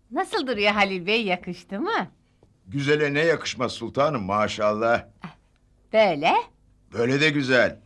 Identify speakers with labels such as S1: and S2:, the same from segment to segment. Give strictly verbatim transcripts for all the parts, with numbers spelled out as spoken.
S1: Nasıl duruyor Halil Bey, yakıştı mı?
S2: Güzele ne yakışmaz sultanım maşallah.
S1: Böyle.
S2: Böyle de güzel.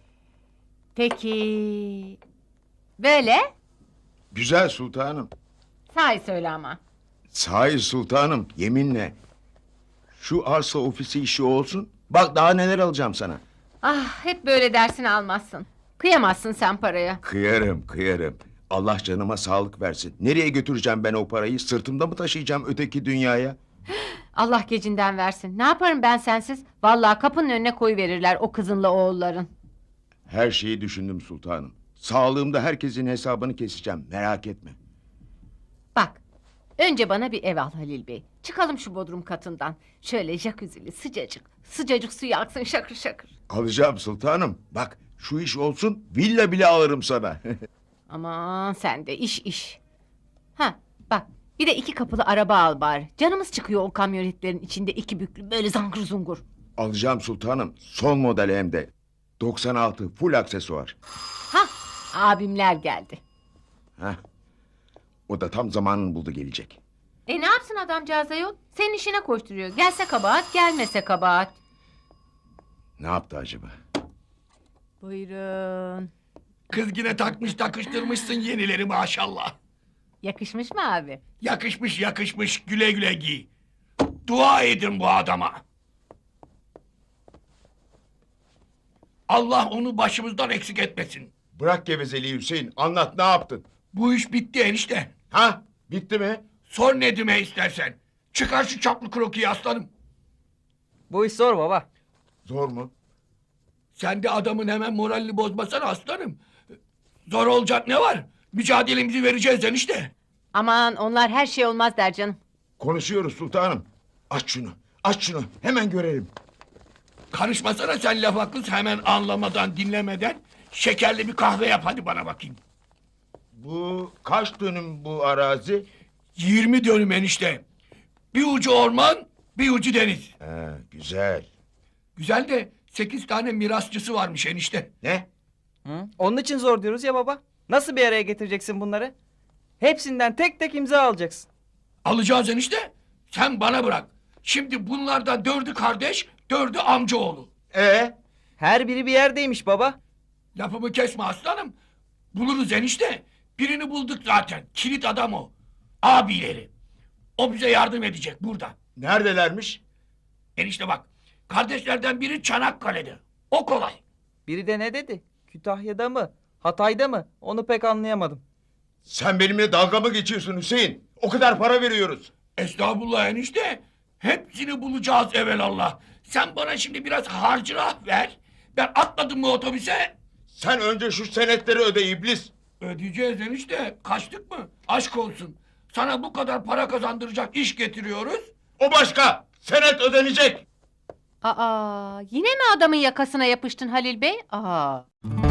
S1: Peki. Böyle.
S2: Güzel sultanım.
S1: Sahi söyle ama.
S2: Sahi sultanım yeminle. Şu arsa ofisi işi olsun. Bak daha neler alacağım sana.
S1: Ah, hep böyle dersini almazsın. Kıyamazsın sen paraya.
S2: Kıyarım kıyarım. Allah canıma sağlık versin. Nereye götüreceğim ben o parayı? Sırtımda mı taşıyacağım öteki dünyaya?
S1: Allah gecinden versin. Ne yaparım ben sensiz? Vallahi kapının önüne koyuverirler o kızınla oğulların.
S2: Her şeyi düşündüm sultanım. Sağlığımda herkesin hesabını keseceğim. Merak etme.
S1: Bak, önce bana bir ev al Halil Bey. Çıkalım şu bodrum katından. Şöyle jacuzzi'li sıcacık, sıcacık suyu aksın şakır şakır.
S2: Alacağım sultanım. Bak şu iş olsun villa bile alırım sana.
S1: Aman sen de iş iş. Ha bak, bir de iki kapılı araba al bari. Canımız çıkıyor o kamyonetlerin içinde iki büklü böyle zangır zungur.
S2: Alacağım sultanım. Son model hem de. doksan altı full aksesuar.
S1: Ha, abimler geldi.
S2: Heh. O da tam zamanını buldu gelecek.
S1: E ne yapsın adamcağız ayol? Senin işine koşturuyor. Gelse kabahat, gelmese kabahat.
S2: Ne yaptı acaba?
S1: Buyurun.
S3: Kız yine takmış takıştırmışsın yenileri maşallah.
S1: Yakışmış mı abi?
S3: Yakışmış yakışmış güle güle giy. Dua edin bu adama. Allah onu başımızdan eksik etmesin.
S2: Bırak gevezeliği Hüseyin. Anlat ne yaptın?
S3: Bu iş bitti enişte.
S2: Ha? Bitti mi?
S3: Sor Nedim'e istersen. Çıkar şu çaplı krokiyi aslanım.
S4: Bu iş zor baba.
S2: Zor mu?
S3: Sen de adamın hemen moralini bozmasana aslanım. Zor olacak ne var? Mücadelemizi vereceğiz enişte.
S1: Aman onlar her şey olmaz der canım.
S2: Konuşuyoruz sultanım. Aç şunu. Aç şunu. Hemen görelim.
S3: Karışmasana sen lafa kız hemen anlamadan dinlemeden. Şekerli bir kahve yap hadi bana bakayım.
S2: Bu kaç dönüm bu arazi?
S3: Yirmi dönüm enişte. Bir ucu orman, bir ucu deniz.
S2: Ha, güzel.
S3: Güzel de sekiz tane mirasçısı varmış enişte.
S2: Ne?
S4: Hı? Onun için zor diyoruz ya baba. Nasıl bir araya getireceksin bunları? Hepsinden tek tek imza alacaksın.
S3: Alacağız enişte. Sen bana bırak. Şimdi bunlardan dördü kardeş, dördü amcaoğlu.
S2: Ee?
S4: Her biri bir yerdeymiş baba.
S3: Lafımı kesme aslanım. Buluruz enişte. Birini bulduk zaten. Kilit adam o. Abileri. O bize yardım edecek burada.
S2: Neredelermiş?
S3: Enişte bak. Kardeşlerden biri Çanakkale'de. O kolay.
S4: Biri de ne dedi? Kütahya'da mı? Hatay'da mı? Onu pek anlayamadım.
S2: Sen benimle dalga mı geçiyorsun Hüseyin? O kadar para veriyoruz.
S3: Estağfurullah enişte. Hepsini bulacağız evelallah. Sen bana şimdi biraz harcırah ver. Ben atladım mı otobüse?
S2: Sen önce şu senetleri öde iblis.
S3: Ödeyeceğiz enişte. Kaçtık mı? Aşk olsun. Sana bu kadar para kazandıracak iş getiriyoruz.
S2: O başka. Senet ödenecek.
S1: Aa, yine mi adamın yakasına yapıştın Halil Bey? Aa.